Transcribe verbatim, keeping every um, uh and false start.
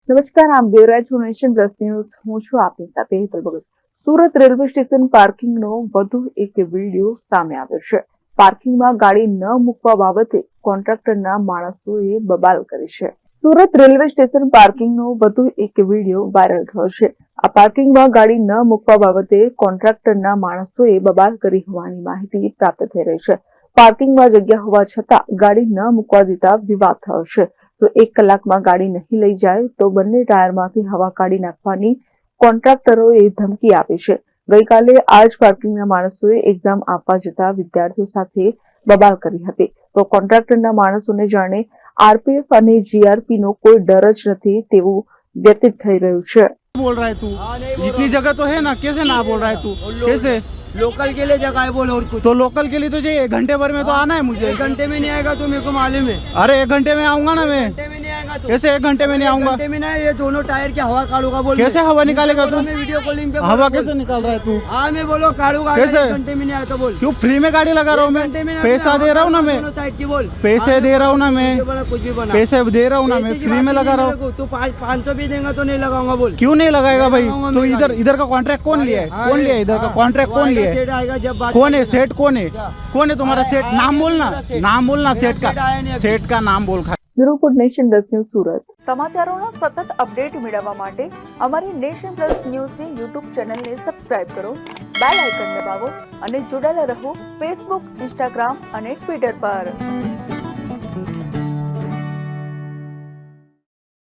નમસ્કાર, આપ જોઈ રહ્યા છો નેશન પ્લસ ન્યૂઝ. હું છું આપની સાથે હેતલ ભગત. સુરત રેલવે સ્ટેશન પાર્કિંગનો વધુ એક વિડીયો સામે આવ્યો છે. પાર્કિંગમાં ગાડી ન મૂકવા બાબતે કોન્ટ્રાક્ટરના માણસોએ બબાલ કરી છે. સુરત રેલવે સ્ટેશન પાર્કિંગનો વધુ એક વિડીયો વાયરલ થયો છે. આ પાર્કિંગમાં ગાડી ન મૂકવા બાબતે કોન્ટ્રાક્ટરના માણસોએ બબાલ કરી હોવાની માહિતી પ્રાપ્ત થઈ રહી છે. પાર્કિંગમાં જગ્યા હોવા છતાં ગાડી ન મૂકવા દેતા વિવાદ થયો છે. તો એક કલાકમાં ગાડી નહીં લઈ જાય તો બંને ટાયરમાંથી હવા કાઢી નાખવાની કોન્ટ્રાક્ટરોએ ધમકી આપી છે. ગઈકાલે આ જ પાર્કિંગના માણસોએ એક્ઝામ આપવા જતા વિદ્યાર્થીઓ સાથે બબાલ કરી હતી. તો કોન્ટ્રાક્ટરના માણસોને જાણે આરપીએફ અને જીઆરપી નો કોઈ ડર જ નથી તેવું વ્યતીત થઈ રહ્યું છે. बोल रहा है तू? इतनी जगह तो है ना, कैसे ना बोल रहा है तू? कैसे लोकल के लिए जगह है बोल और कुछ तो लोकल के लिए तो चाहिए, एक घंटे भर में तो आना है मुझे. एक घंटे में नहीं आएगा तो मेरे को मालूम है. अरे एक घंटे में आऊंगा ना मैं. घंटे में नहीं आएगा तो कैसे एक घंटे में नहीं आऊंगा? घंटे में नहीं, ये दोनों टायर की हवा काढ़ूंगा बोल. कैसे हवा निकालेगा तू? मैं वीडियो कॉलिंग पे हवा कैसे निकाल रहा है तू? हाँ मैं बोलो काढ़ूंगा. कैसे? एक घंटे में नहीं आया तो बोल. क्यों फ्री में गाड़ी लगा रहा हूँ मैं? घंटे में पैसा दे रहा हूँ ना मैं. साइड की बोल. पैसे दे रहा हूँ ना मैं. कुछ भी बना. पैसे दे रहा हूँ ना मैं, फ्री में लगा रहा हूँ. तू पाँच सौ भी देगा तो नहीं लगाऊंगा बोल. क्यों नहीं लगाएगा भाई? तो इधर इधर का कॉन्ट्रैक्ट कौन लिया है? कौन लिया है इधर का कॉन्ट्रैक्ट? कौन लिया है? आएगा जब बात. कौन है सेठ? कौन है? कौन है तुम्हारा सेठ? नाम बोलना, नाम बोलना सेठ का. सेठ का नाम बोल. Bureau report nation plus news Surat. સમાચારોના સતત અપડેટ મેળવવા માટે અમારી નેશન પ્લસ ન્યૂઝની યુટ્યુબ ચેનલને સબસ્ક્રાઇબ કરો, બેલ આઇકન દબાવો અને જોડાયેલા રહો ફેસબુક, ઇન્સ્ટાગ્રામ અને ટ્વિટર પર.